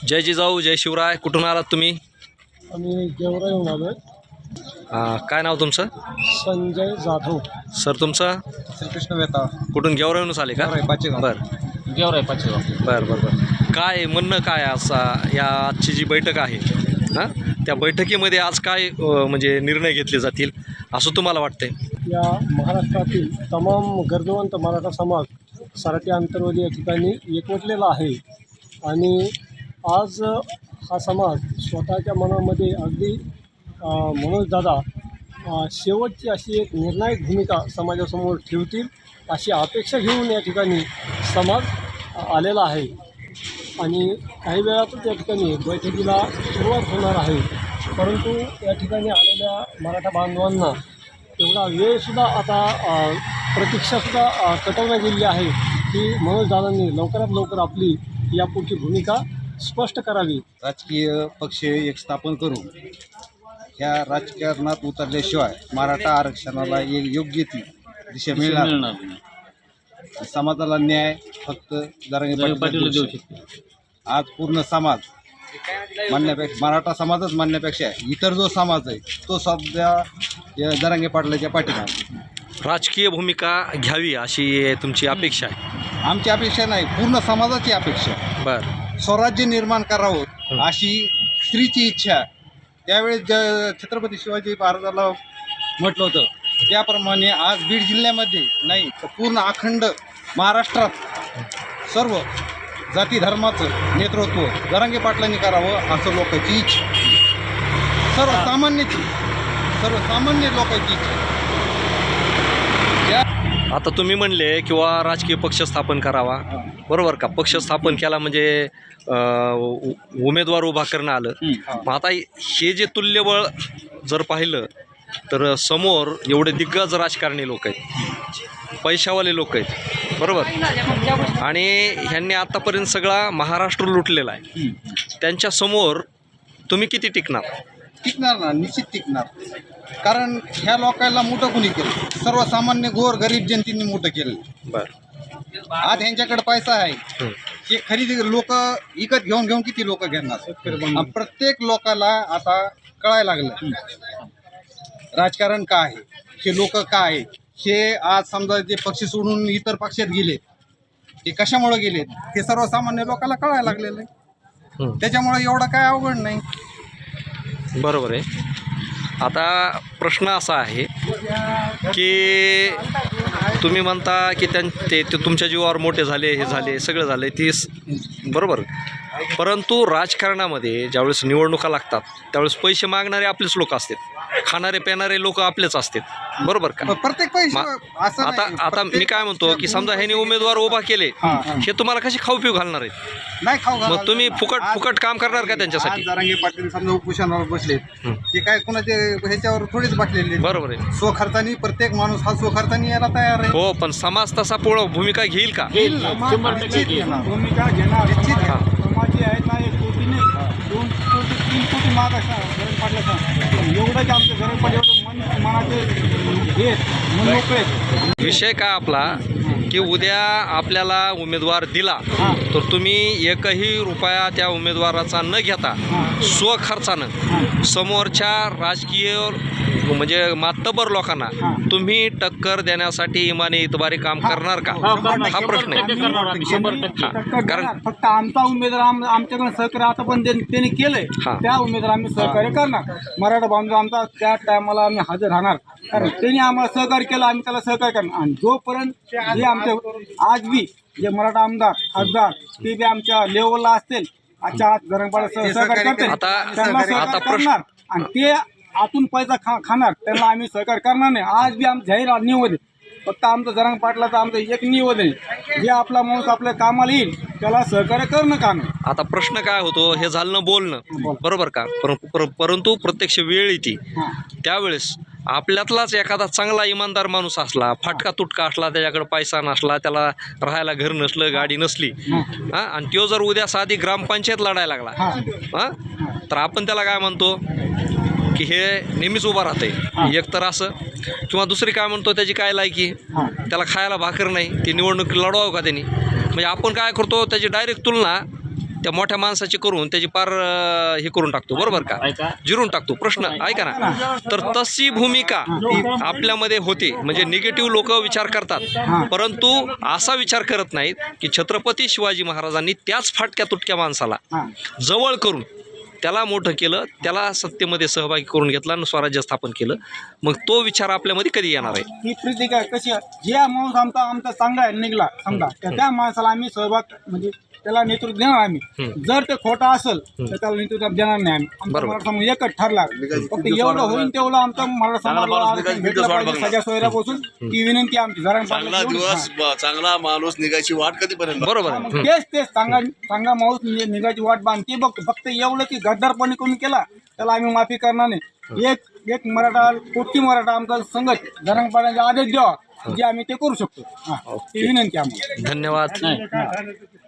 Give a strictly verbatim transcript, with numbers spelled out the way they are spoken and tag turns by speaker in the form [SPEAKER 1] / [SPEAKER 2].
[SPEAKER 1] जय जिजाऊ जय शिवराय. कुठून आलात तुम्ही?
[SPEAKER 2] आम्ही गेवराईहून आलो आहे.
[SPEAKER 1] काय नाव तुमचं?
[SPEAKER 2] संजय जाधव.
[SPEAKER 1] सर तुमचं?
[SPEAKER 2] श्रीकृष्ण वेता.
[SPEAKER 1] कुठून गेवराईहूनच आले का?
[SPEAKER 2] पाचेगाव.
[SPEAKER 1] बरं
[SPEAKER 3] गेवराई पाचेगाव.
[SPEAKER 1] बरं बरं बरं काय म्हणणं काय असा या आजची जी बैठक आहे हां त्या बैठकीमध्ये आज काय अ, म्हणजे निर्णय घेतले जातील असं तुम्हाला वाटतंय?
[SPEAKER 2] या महाराष्ट्रातील तमाम गरजवंत मराठा समाज सराटी आंतरवाली या ठिकाणी एकवटलेला आहे आणि आज हा समाज स्वतःच्या मनामध्ये अगदी मनोजदादा अ, शेवटची अशी एक निर्णायक भूमिका समाजासमोर ठेवतील अशी अपेक्षा घेऊन या ठिकाणी समाज आलेला आहे आणि काही वेळातच या ठिकाणी बैठकीला सुरुवात होणार आहे. परंतु या ठिकाणी आलेल्या मराठा बांधवांना एवढा वेळसुद्धा आता अ, प्रतीक्षासुद्धा अ, कटवण्यात गेलेली आहे की मनोजदादांनी लवकरात लवकर आपली यापुढची भूमिका स्पष्ट करावी.
[SPEAKER 4] राजकीय पक्ष एक स्थापन करून ह्या राजकारणात उतरल्याशिवाय मराठा आरक्षणाला एक योग्य ती दिशा मिळणार नाही. समाजाला न्याय फक्त जरांगे पाटील देऊ शकते. आज पूर्ण समाज मानण्यापेक्षा मराठा समाजच मानण्यापेक्षा इतर जो समाज आहे तो सध्या या जरांगे पाटलाच्या पाठीमागे
[SPEAKER 1] राजकीय भूमिका घ्यावी अशी तुमची अपेक्षा आहे?
[SPEAKER 4] आमची अपेक्षा नाही, पूर्ण समाजाची अपेक्षा.
[SPEAKER 1] बरं
[SPEAKER 4] स्वराज्य निर्माण करावं अशी स्त्रीची इच्छा त्यावेळेस ज छत्रपती शिवाजी महाराजाला म्हटलं होतं त्याप्रमाणे आज बीड जिल्ह्यामध्ये नाही तर पूर्ण अखंड महाराष्ट्रात सर्व जाती धर्माचं नेतृत्व जरांगे पाटलांनी करावं असं लोकांची इच्छा, सर्वसामान्याची सर्वसामान्य लोकांची इच्छा.
[SPEAKER 1] आता तुम्ही म्हणले किंवा राजकीय पक्ष स्थापन करावा, बरोबर का? पक्ष स्थापन केला म्हणजे अ, उ- उमेदवार उभा करणं आलं. मग आता हे जे तुल्यबळ जर पाहिलं तर समोर एवढे दिग्गज राजकारणी लोक आहेत, पैशावाले लोक आहेत, बरोबर, आणि ह्यांनी आतापर्यंत सगळा महाराष्ट्र लुटलेला आहे. त्यांच्यासमोर तुम्ही किती टिकणार?
[SPEAKER 4] टिकणार ना, निश्चित टिकणार. कारण ह्या लोकांना मोठं कोणी केलं? सर्वसामान्य गोर गरीब जनतेने मोठं केलं.
[SPEAKER 1] बरं
[SPEAKER 4] आज ह्यांच्याकडे पैसा आहे, हे खरेदी लोक विकत घेऊन घेऊन किती लोक घेणार? आणि प्रत्येक लोकाला आता कळायला लागलं राजकारण काय आहे, हे लोक काय आहे. हे आज समजा जे पक्ष सोडून इतर पक्षात गेले ते कशामुळे गेले हे सर्वसामान्य लोकांना कळायला लागलेलं आहे. त्याच्यामुळे एवढं काय अवघड नाही.
[SPEAKER 1] बरोबर आहे. आता प्रश्न असा आहे की तुम्ही म्हणता की त्यां ते ते तुमच्या जीवावर मोठे झाले, हे झाले, सगळं झाले, ती बरोबर. परंतु राजकारणामध्ये ज्यावेळेस निवडणुका लागतात त्यावेळेस पैसे मागणारे आपलेच लोक असतात, खाणारे पिणारे लोक आपलेच असतात, बरोबर का?
[SPEAKER 4] प्रत्येक पैसे असं
[SPEAKER 1] आता
[SPEAKER 4] नाही.
[SPEAKER 1] आता मी काय म्हणतो की समजा ह्याने उमेदवार उभा केले, हे तुम्हाला कशी खाऊ पिऊ घालणार आहेत?
[SPEAKER 4] नाही खाऊ घालायला
[SPEAKER 1] मग तुम्ही
[SPEAKER 4] लागणार.
[SPEAKER 1] फुकट
[SPEAKER 4] आज-
[SPEAKER 1] फुकट काम करणार का
[SPEAKER 4] आज
[SPEAKER 1] त्यांच्यासाठी?
[SPEAKER 4] जरांगे पाटील समजा उपोषणावर बसलेत, ते काय कोणाचे ह्याच्यावर थोडीच बसलेले.
[SPEAKER 1] बरोबर आहे.
[SPEAKER 4] स्वखर्चानी प्रत्येक माणूस हा स्वखर्चानी यायला तयार आहे.
[SPEAKER 1] हो, पण समाज तसा पूर्ण भूमिका घेईल का?
[SPEAKER 3] शंभर टक्के
[SPEAKER 4] निश्चित
[SPEAKER 3] घेईल.
[SPEAKER 4] घेणार.
[SPEAKER 2] भूमिका घेणार.
[SPEAKER 4] निश्चित घेणार.
[SPEAKER 2] समाजी आहेत ना, एक कोटी नाही, दोन कोटी तीन कोटी माग असणार गरज पाटलाचा. एवढं की आमचं गरज पाटील एवढं मन मनाचे हे मन मोकळे.
[SPEAKER 1] विषय काय आपला की उद्या आपल्याला उमेदवार दिला तर तुम्ही एकही रुपया त्या उमेदवाराचा न घेता स्वखर्चानं समोरच्या राजकीय म्हणजे मातबर लोकांना तुम्ही टक्कर देण्यासाठी इमानी इतबारी काम करणार का? हा प्रश्न आहे.
[SPEAKER 3] करणार आम्ही, शंभर टक्के.
[SPEAKER 1] कारण
[SPEAKER 2] फक्त आमचा उमेदवार आम आमच्याकडे सहकार्य आता पण त्यांनी त्यांनी केलंय
[SPEAKER 1] हा.
[SPEAKER 2] त्या उमेदवार आम्ही सहकार्य करणार. मराठा बांधव आमचा त्या टायमाला आम्ही हजर राहणार. कारण त्यांनी आम्हाला सहकार्य केलं, आम्ही त्याला सहकार्य करणार. आणि जोपर्यंत जे आमचे आज बी जे मराठा आमदार खासदार ते बी आमच्या लेवलला असतील, आजच्या आज गरंगपाडा सहकार्य करतील,
[SPEAKER 1] आता-
[SPEAKER 2] त्यांना
[SPEAKER 1] आता
[SPEAKER 2] सहकार्य
[SPEAKER 1] प्रश्न-
[SPEAKER 2] करणार. आणि ते आतून पैसा खा खाणार त्यांना आम्ही सहकार्य करणार नाही. आज बी आमचं जाहीर निवेदन फक्त आमचं जरांगे पाटलाचं आमचं एक निवेदन आहे, जे आपला माणूस आपल्या कामाला येईल त्याला सहकार्य करणं का नाही.
[SPEAKER 1] आता प्रश्न काय होतो, हे झालं बोलणं, बरोबर का? पर, पर, परंतु प्रत्यक्ष वेळ येते त्यावेळेस आपल्यातलाच एखादा चांगला इमानदार माणूस असला, फाटका तुटका असला, त्याच्याकडे पैसा नसला, त्याला राहायला घर नसलं, गाडी नसली, हां, आणि तो जर उद्या साधी ग्रामपंचायत लढायला लागला, हां, तर आपण त्याला काय म्हणतो की हे नेहमीच उभा राहते. एक तर असं, किंवा दुसरी काय म्हणतो त्याची काय लायकी, त्याला खायला भाकर नाही, ती निवडणूक लढवावं का त्यांनी? म्हणजे आपण काय करतो त्याची डायरेक्ट तुलना त्या मोठ्या माणसाची करून त्याची पार अं, हे करून टाकतो, बरोबर का,
[SPEAKER 3] ऐका
[SPEAKER 1] जिरून टाकतो. प्रश्न ऐका ना, तर तशी भूमिका आपल्यामध्ये होते. म्हणजे निगेटिव्ह लोक विचार करतात, परंतु असा विचार करत नाहीत की छत्रपती शिवाजी महाराजांनी त्याच फाटक्या तुटक्या माणसाला जवळ करून त्याला मोठं केलं, त्याला सत्तेमध्ये सहभागी करून घेतला आणि स्वराज्य स्थापन केलं. मग तो विचार आपल्यामध्ये कधी येणार आहे?
[SPEAKER 5] ही प्रीती काय कशी आहे? ज्या माणूस आमचा आमचा चांगला आहे निघला समजा तर त्या माणसाला आम्ही सहभाग म्हणजे त्याला नेतृत्व देणार आम्ही. जर ते खोटा असेल तर त्याला नेतृत्व देणार नाही आम्ही. आमचा
[SPEAKER 1] बरोबर.
[SPEAKER 5] मराठा समाज एकच ठरला. फक्त एवढं होईल तेवढं आमचा मराठा समाजाला आरक्षण भेटलं पाहिजे सगळ्या सोयऱ्यापासून. ती विनंती आमची जरा
[SPEAKER 6] चांगला दिवस ब- चांगला माणूस निघायची वाट कधीपर्यंत?
[SPEAKER 1] बरोबर आहे. हं.
[SPEAKER 5] तेच तेच चांगला चांगला माणूस नि- निघायची वाट बांधते बघतो. फक्त एवढं की गद्दारपणे कोणी केला त्याला आम्ही माफी करणार नाही. एक एक मराठा कोटी मराठा आमचा संघट जरंग पाण्याचा आदेश द्यावा जे आम्ही ते करू शकतो. हा, ही विनंती आम्हाला.
[SPEAKER 1] धन्यवाद.
[SPEAKER 3] नाही